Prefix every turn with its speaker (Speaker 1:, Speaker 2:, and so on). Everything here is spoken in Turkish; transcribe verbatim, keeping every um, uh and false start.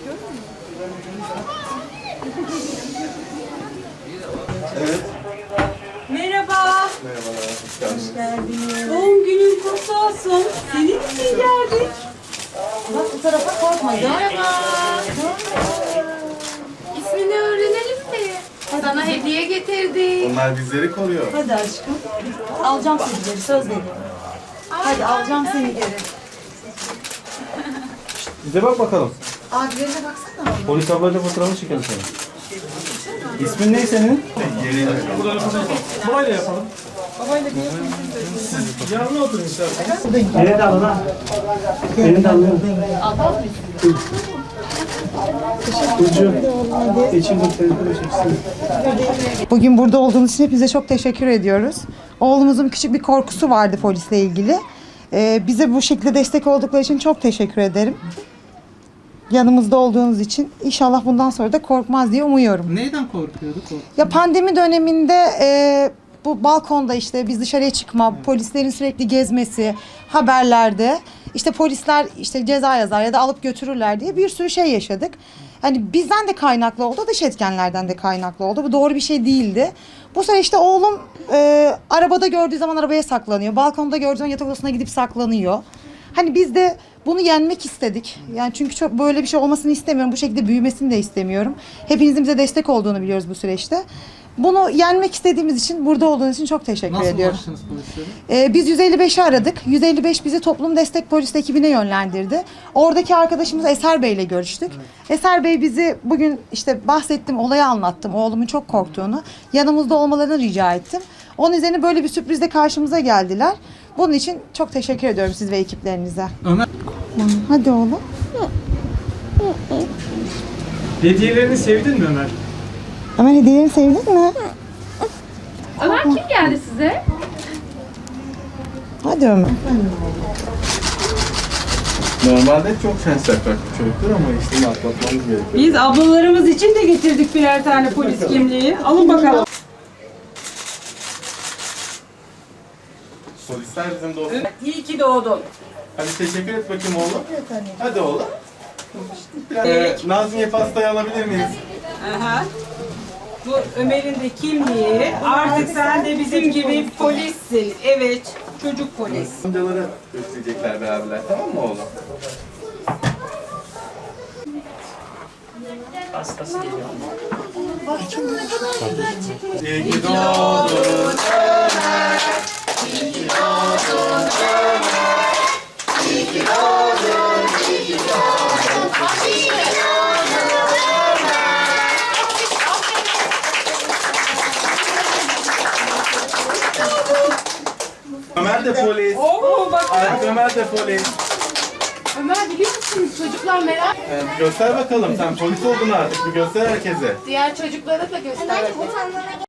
Speaker 1: Evet.
Speaker 2: Merhaba.
Speaker 1: Merhabalar, hoş geldiniz.
Speaker 2: Hoş geldiniz. Doğum günün kutlu olsun. Senin için geldik. Bak bu tarafa korkmayın.
Speaker 3: Merhaba. İsmini öğrenelim mi? Sana hediye getirdik.
Speaker 1: Onlar bizleri koruyor.
Speaker 2: Hadi aşkım. Alacağım seni geri, söz veriyorum. Hadi alacağım seni geri.
Speaker 4: Bize bak bakalım.
Speaker 3: Abilerine baksana.
Speaker 4: Polis ablayla fotoğrafını çekelim seni. İsmin ne senin?
Speaker 1: Yeni
Speaker 4: Babayla yapalım. Babayla Siz yanına oturun isterseniz. Beni de alın ha. Beni de alın.
Speaker 5: Bugün burada olduğunuz için hepinize çok teşekkür ediyoruz. Oğlumuzun küçük bir korkusu vardı polisle ilgili. Ee, bize bu şekilde destek oldukları için çok teşekkür ederim. Yanımızda olduğunuz için inşallah bundan sonra da korkmaz diye umuyorum.
Speaker 6: Neyden korkuyordu? Kork
Speaker 5: Ya pandemi döneminde e, bu balkonda işte biz dışarıya çıkma, polislerin sürekli gezmesi, haberlerde işte polisler işte ceza yazar ya da alıp götürürler diye bir sürü şey yaşadık. Hani bizden de kaynaklı oldu, dış etkenlerden de kaynaklı oldu. Bu doğru bir şey değildi. Bu sefer işte oğlum e, arabada gördüğü zaman arabaya saklanıyor. Balkonda gördüğü zaman yatak odasına gidip saklanıyor. Hani biz de bunu yenmek istedik. Yani çünkü çok böyle bir şey olmasını istemiyorum. Bu şekilde büyümesini de istemiyorum. Hepinizin bize destek olduğunu biliyoruz bu süreçte. Bunu yenmek istediğimiz için, burada olduğunuz için çok teşekkür
Speaker 6: Nasıl
Speaker 5: ediyorum.
Speaker 6: ulaştınız polislere?
Speaker 5: Ee, biz yüz elli beşi aradık. yüz elli beş bizi toplum destek polis ekibine yönlendirdi. Oradaki arkadaşımız Eser Bey ile görüştük. Eser Bey bizi bugün işte bahsettim, olayı anlattım. Oğlumun çok korktuğunu, yanımızda olmalarını rica ettim. Onun üzerine böyle bir sürprizle karşımıza geldiler. Bunun için çok teşekkür ediyorum siz ve ekiplerinize.
Speaker 6: Ömer.
Speaker 5: Hadi oğlum.
Speaker 4: Hediyelerini sevdin mi Ömer?
Speaker 5: Ömer hediyelerini sevdin mi?
Speaker 3: Ömer kim geldi size?
Speaker 5: Hadi Ömer.
Speaker 1: Normalde çok şans yapacak bir çocuktur ama işte atlatmamız gerekiyor.
Speaker 2: Biz ablalarımız için de getirdik birer tane polis kimliği. Alın bakalım.
Speaker 1: Polisler bizim dostum.
Speaker 2: İyi ki doğdun.
Speaker 1: Hadi teşekkür et bakayım oğlum. Hadi oğlum. Biraz,
Speaker 2: Evet.
Speaker 1: ee, Nazmiye pastayı alabilir miyiz?
Speaker 2: Aha. Bu Ömer'in de kimliği. Artık sen de bizim gibi polissin. Evet, çocuk polis.
Speaker 1: Amcaları gösterecekler beraberler, tamam mı oğlum?
Speaker 7: Hastası geliyor.
Speaker 1: İyi ki doğdun Ömer. İyi ki doğdun Ömer. İyi ki doğdun, iyi ki doğdun. İyi ki doğdun Ömer. Ömer de polis.
Speaker 2: Oo bak.
Speaker 1: Ay, Ömer de polis.
Speaker 3: Ömer biliyor musunuz çocuklar merak.
Speaker 1: Ee, göster bakalım, sen polis oldun artık, bir göster herkese.
Speaker 3: Diğer çocuklara da göster.